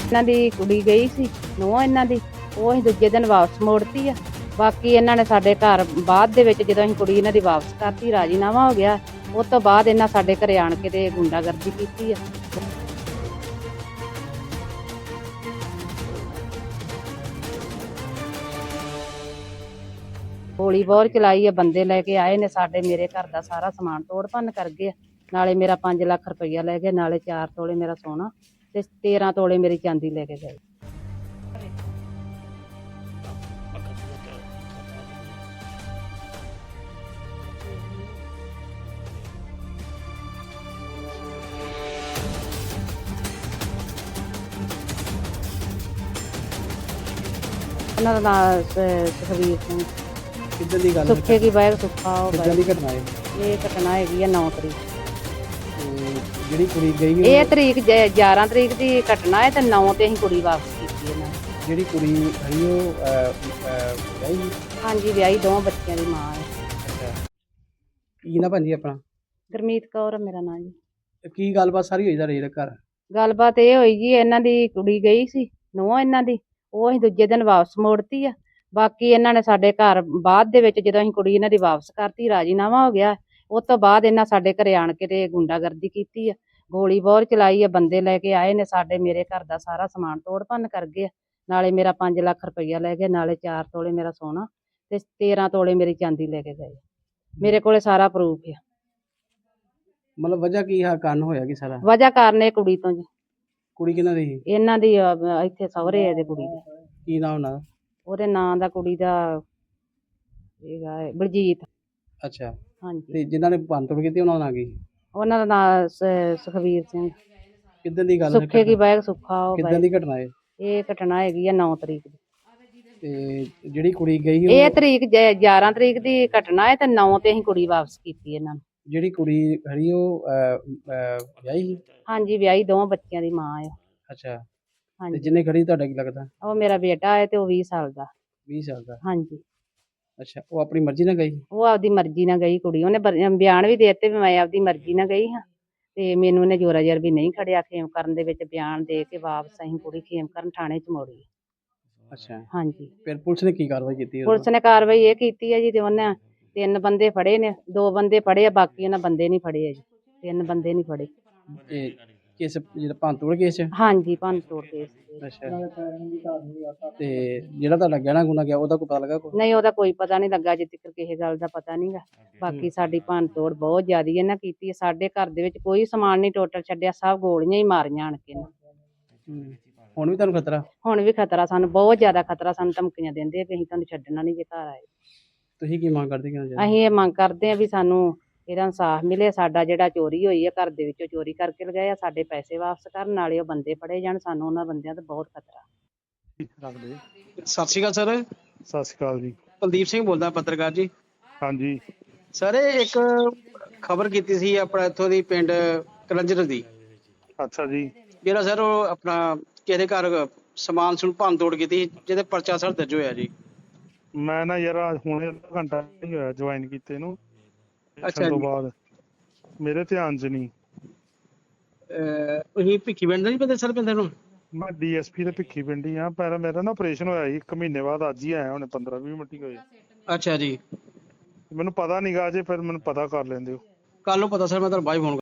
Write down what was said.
ਇਹਨਾਂ ਦੀ ਕੁੜੀ ਗਈ ਸੀ ਨੂੰਹ ਇਹਨਾਂ ਦੀ, ਉਹ ਅਸੀਂ ਦੂਜੇ ਦਿਨ ਵਾਪਸ ਮੋੜਤੀ ਆ। ਬਾਕੀ ਇਹਨਾਂ ਨੇ ਸਾਡੇ ਘਰ ਬਾਅਦ ਦੇ ਵਿੱਚ ਜਦੋਂ ਅਸੀਂ ਕੁੜੀ ਇਹਨਾਂ ਦੀ ਵਾਪਸ ਕਰਤੀ, ਰਾਜੀਨਾਮਾ ਹੋ ਗਿਆ, ਉਸ ਤੋਂ ਬਾਅਦ ਇਹਨਾਂ ਸਾਡੇ ਘਰੇ ਆਣ ਕੇ ਤੇ ਗੁੰਡਾਗਰਦੀ ਕੀਤੀ ਆ। ਗੋਲੀ ਬਹੁਤ ਚਲਾਈ ਆ, ਬੰਦੇ ਲੈ ਕੇ ਆਏ ਨੇ, ਸਾਡੇ ਮੇਰੇ ਘਰ ਦਾ ਸਾਰਾ ਸਮਾਨ ਤੋੜ ਭੰਨ ਕਰ ਗਏ। ਨਾਲੇ ਮੇਰਾ 5 ਲੱਖ ਰੁਪਈਆ ਲੈ ਗਏ, ਨਾਲੇ 4 ਤੋਲੇ ਮੇਰਾ ਸੋਨਾ ਤੇ 13 ਤੋਲੇ ਮੇਰੀ ਚਾਂਦੀ ਲੈ ਕੇ ਗਏ। ਉਹਨਾਂ ਦਾ ਨਾਮ ਸੁਖਵੀਰ ਸਿੰਘ। ਕਿੱਦਾਂ ਦੀ ਗੱਲ ਸੁੱਖੇ ਕੀ ਬਾਇਕ ਸੁੱਖਾ ਉਹ ਕਿੱਦਾਂ ਦੀ ਘਟਨਾ ਹੈ? ਇਹ ਘਟਨਾ ਹੈਗੀ ਆ 9 ਤਰੀਕ। ਜਿਹੜੀ ਕੁੜੀ ਗਈ ਇਹ ਤਰੀਕ 11 ਤਰੀਕ ਦੀ ਘਟਨਾ ਹੈ ਤੇ 9 ਤੇ ਅਸੀਂ ਕੁੜੀ ਵਾਪਸ ਕੀਤੀ ਇਹਨਾਂ ਨੇ। ਜਿਹੜੀ ਕੁੜੀ ਹੈ ਉਹ ਵਿਆਹੀ? ਹਾਂਜੀ, ਵਿਆਹੀ, 2 ਬੱਚਿਆਂ ਦੀ ਮਾਂ ਹੈ। ਅੱਛਾ, ਕੀ ਨਾ ਭਾਂਜੀ ਆਪਣਾ? ਗੁਰਮੀਤ ਕੌਰ ਆ ਮੇਰਾ ਨਾਂ ਜੀ। ਤੇ ਕੀ ਗੱਲਬਾਤ ਸਾਰੀ ਹੋਈ ਦਾ ਰੇਲ ਘਰ? ਗੱਲਬਾਤ ਇਹ ਹੋਈ ਜੀ, ਇਹਨਾਂ ਦੀ ਕੁੜੀ ਗਈ ਸੀ ਨੂੰਹ ਇਹਨਾਂ ਦੀ, ਉਹ ਅਸੀਂ ਦੂਜੇ ਦਿਨ ਵਾਪਸ ਮੋੜਤੀ ਆ। ਬਾਕੀ ਇਹਨਾਂ ਨੇ ਸਾਡੇ ਘਰ ਬਾਅਦ ਦੇ ਵਿੱਚ ਜਦੋਂ ਅਸੀਂ ਕੁੜੀ ਇਹਨਾਂ ਦੀ ਵਾਪਸ ਕਰਤੀ, ਰਾਜੀਨਾਮਾ ਹੋ ਗਿਆ, ਉਸ ਤੋਂ ਬਾਅਦ ਇਹਨਾਂ ਸਾਡੇ ਘਰੇ ਆਣ ਕੇ ਤੇ ਗੁੰਡਾਗਰਦੀ ਕੀਤੀ ਆ। ਗੋਲੀ ਬਹੁਤ ਚਲਾਈ ਆ, ਬੰਦੇ ਲੈ ਕੇ ਆਏ ਨੇ, ਸਾਡੇ ਮੇਰੇ ਘਰ ਦਾ ਸਾਰਾ ਸਮਾਨ ਤੋੜ ਭੰਨ ਕਰ ਗਏ। ਨਾਲੇ ਮੇਰਾ 5 ਲੱਖ ਰੁਪਈਆ ਲੈ ਗਏ, ਨਾਲੇ 4 ਤੋਲੇ ਮੇਰਾ ਸੋਨਾ ਤੇ 13 ਤੋਲੇ ਮੇਰੀ ਚਾਂਦੀ ਲੈ ਕੇ ਗਏ। ਮੇਰੇ ਕੋਲੇ ਸਾਰਾ ਪ੍ਰੂਫ ਆ। ਮਤਲਬ ਵਜ੍ਹਾ ਕੀ ਹੈ, ਕਾਰਨ ਹੋਇਆ ਕੀ ਸਾਰਾ? ਵਜ੍ਹਾ ਕਾਰਨ ਇਹ ਕੁੜੀ ਤੋਂ ਜੀ। ਕੁੜੀ ਕਿਹਨਾਂ ਦੀ ਸੀ? ਇਹਨਾਂ ਦੀ ਇੱਥੇ ਸਹੁਰੇ ਇਹਦੇ ਕੁੜੀ ਦੇ। ਕੀ ਨਾਮ ਉਹਨਾਂ ਦਾ? ਉਹਦੇ ਨਾਂ ਦਾ ਕੁੜੀ ਦਾ ਹੈਗਾ ਬਲਜੀਤ। ਅੱਛਾ, ਹਾਂਜੀ, ਤੇ ਜਿਨ੍ਹਾਂ ਨੇ ਭੰਨਤੋੜ ਕੀਤੀ ਉਹਨਾਂ ਦਾ ਨਾਂ ਕੀ? ਉਹਨਾਂ ਦਾ ਨਾਂ ਸੁਖਵੀਰ ਸਿੰਘ। ਕਿੱਦਾਂ ਦੀ ਗੱਲ? ਸੁੱਖੇ ਕੀ ਬਾਇਕ ਸੁੱਖਾ ਉਹ ਕਿੱਦਾਂ ਦੀ ਘਟਨਾ ਹੈ? ਇਹ ਘਟਨਾ ਹੈਗੀ ਆ 9 ਤਰੀਕ ਦੀ। ਤੇ ਜਿਹੜੀ ਕੁੜੀ ਗਈ ਇਹ ਤਰੀਕ 11 ਤਰੀਕ ਦੀ ਘਟਨਾ ਹੈ ਤੇ 9 ਤੇ ਅਸੀਂ ਕੁੜੀ ਵਾਪਸ ਕੀਤੀ ਇਹਨਾਂ ਨੂੰ। ਜਿਹੜੀ ਕੁੜੀ ਖੜੀ ਉਹ ਵਿਆਹੀ ਸੀ? ਹਾਂਜੀ, ਵਿਆਹੀ, 2 ਬੱਚਿਆਂ ਦੀ ਮਾਂ ਹੈ। ਅੱਛਾ, ਤੇ ਹਾਂਜੀ, ਜਿਹਨੇ ਖੜੀ ਤੁਹਾਡਾ ਕੀ ਲੱਗਦਾ? ਉਹ ਮੇਰਾ ਬੇਟਾ ਹੈ ਤੇ ਉਹ 20 ਸਾਲ ਦਾ। 20 ਸਾਲ ਦਾ? ਹਾਂਜੀ, ਅੱਛਾ, ਉਹ ਆਪਣੀ ਮਰਜ਼ੀ ਨਾਲ ਗਈ? ਉਹ ਆਪਦੀ ਮਰਜ਼ੀ ਨਾਲ ਗਈ ਕੁੜੀ। ਉਹਨੇ ਬਿਆਨ ਵੀ ਦੇ ਦਿੱਤੇ ਵੀ ਮੈਂ ਆਪਦੀ ਮਰਜ਼ੀ ਨਾਲ ਗਈ ਹਾਂ ਤੇ ਮੈਨੂੰ ਇਹਨੇ ਜ਼ੋਰਾ ਜ਼ਰ ਵੀ ਨਹੀਂ ਖੜਿਆ। ਖੇਮ ਕਰਨ ਦੇ ਵਿੱਚ ਬਿਆਨ ਦੇ ਕੇ ਵਾਪਸ ਅਸੀਂ ਕੁੜੀ ਖੇਮ ਕਰਨ ਥਾਣੇ 'ਚ ਮੋੜੀ। ਅੱਛਾ, ਹਾਂਜੀ, ਫਿਰ ਪੁਲਿਸ ਨੇ ਕੀ ਕਾਰਵਾਈ ਕੀਤੀ? ਪੁਲਿਸ ਨੇ ਕਾਰਵਾਈ ਇਹ ਕੀਤੀ ਹੈ ਜੀ ਤੇ ਉਹਨੇ 3 ਬੰਦੇ ਫੜੇ ਨੇ, 2 ਬੰਦੇ ਫੜੇ ਆ, ਬਾਕੀ ਉਹਨਾਂ ਬੰਦੇ ਨਹੀਂ ਫੜੇ ਆ ਜੀ। 3 ਬੰਦੇ ਨਹੀਂ ਫੜੇ। ਇਹ ਕਿਸ ਜਿਹੜਾ ਭੰਨਤੋੜ ਕੇਸ 'ਚ? ਹਾਂਜੀ, ਭੰਨ ਤੋੜ ਕੇਸ। ਅੱਛਾ, ਤੇ ਜਿਹੜਾ ਤੁਹਾਡਾ ਗਹਿਣਾ ਗੁਣਾ ਗਿਆ ਉਹਦਾ ਕੋਈ ਪਤਾ ਲੱਗਾ ਕੋਈ? ਨਹੀਂ, ਉਹਦਾ ਕੋਈ ਪਤਾ ਨਹੀਂ ਲੱਗਾ, ਅਜੇ ਤੱਕ ਕਿਸੇ ਗੱਲ ਦਾ ਪਤਾ ਨਹੀਂਗਾ। ਬਾਕੀ ਸਾਡੀ ਭੰਨ ਤੋੜ ਬਹੁਤ ਜ਼ਿਆਦੀ ਇਹਨਾਂ ਕੀਤੀ ਹੈ। ਸਾਡੇ ਘਰ ਦੇ ਵਿੱਚ ਕੋਈ ਸਮਾਨ ਨਹੀਂ ਟੋਟਲ ਛੱਡਿਆ, ਸਭ ਗੋਲੀਆਂ ਹੀ ਮਾਰੀਆਂ ਆਣ ਕੇ। ਹੁਣ ਵੀ ਤੁਹਾਨੂੰ ਖਤਰਾ? ਹੁਣ ਵੀ ਖਤਰਾ, ਸਾਨੂੰ ਬਹੁਤ ਜ਼ਿਆਦਾ ਖਤਰਾ। ਸਾਨੂੰ ਧਮਕੀਆਂ ਦਿੰਦੇ ਆ ਕਿ ਅਸੀਂ ਤੁਹਾਨੂੰ ਛੱਡਣਾ ਨਹੀਂ ਜੇ ਘਰ ਆਏ। ਤੁਸੀਂ ਕੀ ਮੰਗ ਕਰਦੇ? ਅਸੀਂ ਇਹ ਮੰਗ ਕਰਦੇ ਆ ਵੀ ਸਾਨੂੰ ਇਹਦਾ ਇਨਸਾਫ ਮਿਲੇ। ਸਾਡਾ ਜਿਹੜਾ ਚੋਰੀ ਹੋਈ ਹੈ, ਘਰ ਦੇ ਵਿੱਚੋਂ ਚੋਰੀ ਕਰਕੇ ਲਗਾਏ ਆ, ਸਾਡੇ ਪੈਸੇ ਵਾਪਸ ਕਰਨ, ਨਾਲੇ ਉਹ ਬੰਦੇ ਫੜੇ ਜਾਣ। ਸਾਨੂੰ ਉਹਨਾਂ ਬੰਦਿਆਂ ਤੋਂ ਬਹੁਤ ਖਤਰਾ। ਸਤਿ ਸ਼੍ਰੀ ਅਕਾਲ ਸਰ। ਸਤਿ ਸ਼੍ਰੀ ਅਕਾਲ ਜੀ। ਕੁਲਦੀਪ ਸਿੰਘ ਬੋਲਦਾ, ਪੱਤਰਕਾਰ ਜੀ। ਹਾਂਜੀ ਸਰ, ਇੱਕ ਖਬਰ ਕੀਤੀ ਸੀ ਆਪਣਾ ਇੱਥੋਂ ਦੀ ਪਿੰਡ ਕਲੰਜਰ ਦੀ। ਅੱਛਾ ਜੀ। ਜਿਹੜਾ ਸਰ ਉਹ ਆਪਣਾ ਕਿਸੇ ਦੇ ਘਰ ਸਮਾਨ ਸਮੂਨ ਭੰਨ ਤੋੜ ਕੀਤੀ, ਜਿਹਦੇ ਪਰਚਾ ਸਰ ਦਰਜ ਹੋਇਆ ਜੀ। ਮੈਂ ਨਾ ਯਾਰ ਹੁਣੇ ਅੱਧਾ ਘੰਟਾ ਨਹੀਂ ਹੋਇਆ ਜੁਆਇਨ ਕੀਤੇ ਨੂੰ। ਅੱਛਾ ਤੋਂ ਜੀ। ਬਾਅਦ ਮੇਰੇ ਧਿਆਨ 'ਚ ਨਹੀਂ। ਤੁਸੀਂ ਭਿੱਖੀ ਪਿੰਡ ਦਾ ਨਹੀਂ ਪਤਾ ਸਰ ਪਿੰਡ ਨੂੰ? ਮੈਂ ਡੀਐਸਪੀ ਦੇ ਭਿੱਖੀ ਪਿੰਡੀ ਆ। ਪਹਿਲਾਂ ਮੇਰਾ ਨਾ ਆਪਰੇਸ਼ਨ ਹੋਇਆ ਸੀ 1 ਮਹੀਨੇ ਬਾਅਦ, ਅੱਜ ਹੀ ਆਇਆ, ਹੁਣੇ 15-20 ਮਿੰਟ ਹੀ ਹੋਏ। ਅੱਛਾ ਜੀ। ਮੈਨੂੰ ਪਤਾ ਨੀਗਾ ਅਜੇ, ਫਿਰ ਮੈਨੂੰ ਪਤਾ ਕਰ ਲੈਂਦੇ ਹੋ। ਕੱਲ ਨੂੰ ਪਤਾ ਸਰ, ਮੈਂ ਤੁਹਾਨੂੰ ਬਾਅਦ ਫੋਨ